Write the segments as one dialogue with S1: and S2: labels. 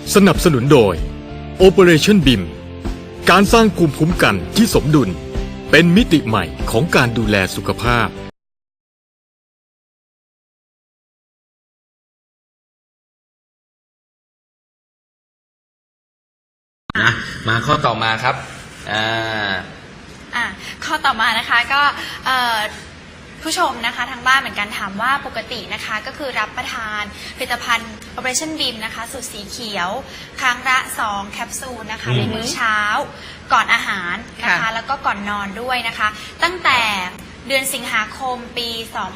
S1: สนับสนุนโดย Operation BIM การสร้างภูมิคุ้มกันที่สมดุลเป็นมิติใหม่ของการดูแลสุขภาพ
S2: มาข้อต่อมาครับ
S3: ข้อต่อมานะคะก็ผู้ชมนะคะทางบ้านเหมือนกันถามว่าปกตินะคะก็คือรับประทานผลิตภัณฑ์ Operation BIM นะคะสูตรสีเขียวครั้งละ2แคปซูลนะคะในมื้อเช้าก่อนอาหารนะคะแล้วก็ก่อนนอนด้วยนะคะตั้งแต่เดือนสิงหาคมปี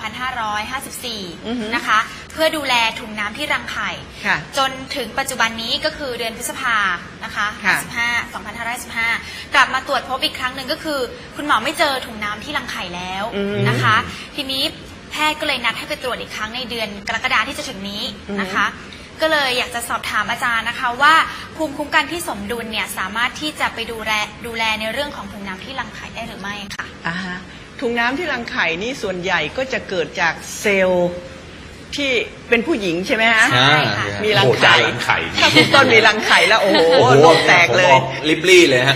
S3: 2554 นะคะเพื่อดูแลถุงน้ำที่รังไข่จนถึงปัจจุบันนี้ก็คือเดือนพฤษภานะคะ2555 กลับมาตรวจพบอีกครั้งหนึ่งก็คือคุณหมอไม่เจอถุงน้ำที่รังไข่แล้วนะคะทีนี้แพทย์ก็เลยนัดให้ไปตรวจอีกครั้งในเดือนกรกฎาคมที่จะถึงนี้นะคะก็เลยอยากจะสอบถามอาจารย์นะคะว่าภูมิคุ้มกันที่สมดุลเนี่ยสามารถที่จะไปดูแลในเรื่องของถุงน้ำที่รังไข่ได้หรือไม่ค่ะ
S4: ถุงน้ำที่รังไข่นี่ส่วนใหญ่ก็จะเกิดจากเซลล์ที่เป็นผู้หญิงใช่ไหมฮะ
S3: ใช่ค่ะ
S4: มีรังไข่ถ้าคุณต้นมีรังไข่แล้วโอ้โหโลกแตกเลย
S2: ลิบลี่เลยฮะ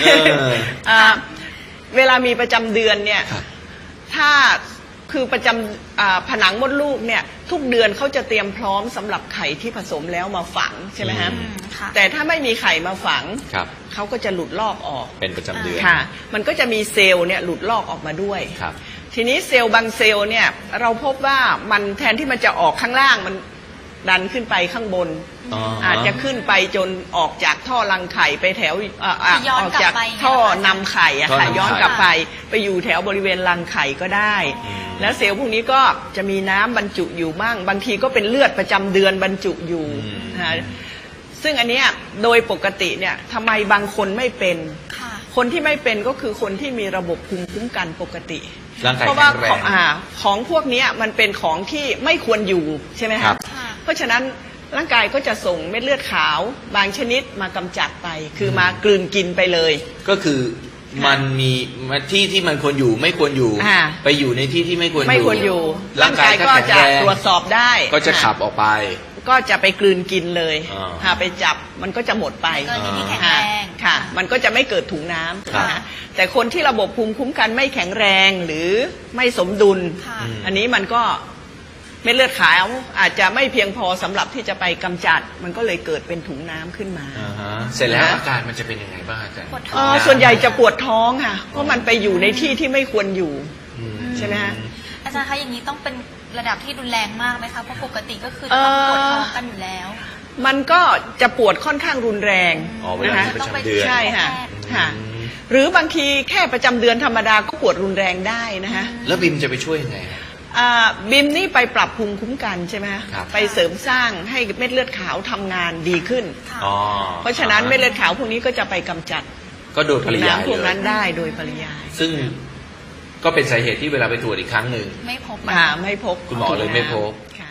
S4: เวลามีประจำเดือนเนี่ยถ้าคือประจำผนังมดลูกเนี่ยทุกเดือนเขาจะเตรียมพร้อมสำหรับไข่ที่ผสมแล้วมาฝังใช่ไหมฮะแต่ถ้าไม่มีไข่มาฝังเขาก็จะหลุดลอกออก
S2: เป็นประจำเดือน
S4: ค่ะมันก็จะมีเซลล์เนี่ยหลุดลอกออกมาด้วยทีนี้เซลล์บางเซลล์เนี่ยเราพบว่ามันแทนที่มันจะออกข้างล่างมันดันขึ้นไปข้างบนอาจจะขึ้นไปจนออกจากท่อรังไข่ไปแถวออกจากท่อนำไข่อะค่ะย้อนกลับไปอยู่แถวบริเวณรังไข่ก็ได้แล้วเซลล์พวกนี้ก็จะมีน้ำบรรจุอยู่บ้างบางทีก็เป็นเลือดประจำเดือนบรรจุอยู่ซึ่งอันนี้โดยปกติเนี่ยทำไมบางคนไม่เป็นคนที่ไม่เป็นก็คือคนที่มีระบบภูมิคุ้มกันปกติเพราะว่าของพวกนี้มันเป็นของที่ไม่ควรอยู่ใช่ไหมครับเพราะฉะนั้นร่างกายก็จะส่งเม็ดเลือดขาวบางชนิดมากำจัดไปคือมากลืนกินไปเลย
S2: ก็คือมันมีที่มันควรอยู่ไม่ควรอยู่ไปอยู่ในที่ที่ไม่ควร
S4: อยู่ร่างกายก็จะตรวจสอบได้
S2: ก็จะขับออกไป
S4: ก็จะไปกลืนกินเลยไปจับมันก็จะหมดไปค่ะมันก็จะไม่เกิดถุงน้ำแต่คนที่ระบบภูมิคุ้มกันไม่แข็งแรงหรือไม่สมดุลอันนี้มันก็เม็ดเลือดขาวอาจจะไม่เพียงพอสำหรับที่จะไปกำจัดมันก็เลยเกิดเป็นถุงน้ำขึ้นมา
S2: เสร็จแล้วอาการมันจะเป็นยังไงบ้างอาจาร
S4: ย์ส่วนใหญ่จะปวดท้องค่ะเพราะมันไปอยู่ในที่ที่ไม่ควรอยู่ใช่ไหมฮะ
S3: อาจารย์คะอย่างนี้ต้องเป็นระดับที่รุนแรงมากไหมคะเพราะปกติก็คือต้องปวดท้องกันอยู่แล้ว
S4: มันก็จะปวดค่อนข้างรุนแรง
S2: นะคะ
S4: ใช่ค่ะหรือบางทีแค่ประจำเดือนธรรมดาก็ปวดรุนแรงได้นะคะ
S2: แล้วบิมจะไปช่วยยังไง
S4: บิมนี่ไปปรับภูมิคุ้มกันใช่ไหมไปเสริมสร้างให้เม็ดเลือดขาวทำงานดีขึ้นเพราะฉะนั้นเม็ดเลือดขาวพวกนี้ก็จะไปกำจัด
S2: ก็โดยปริยาย
S4: พวกนั้นได้โดยปริยาย
S2: ซึ่งก็เป็นสาเหตุที่เวลาไปตรวจอีกครั้งหนึ่ง
S3: ไม่พบ
S4: ไม่พบ
S2: คุณหมอเลยไม่พบ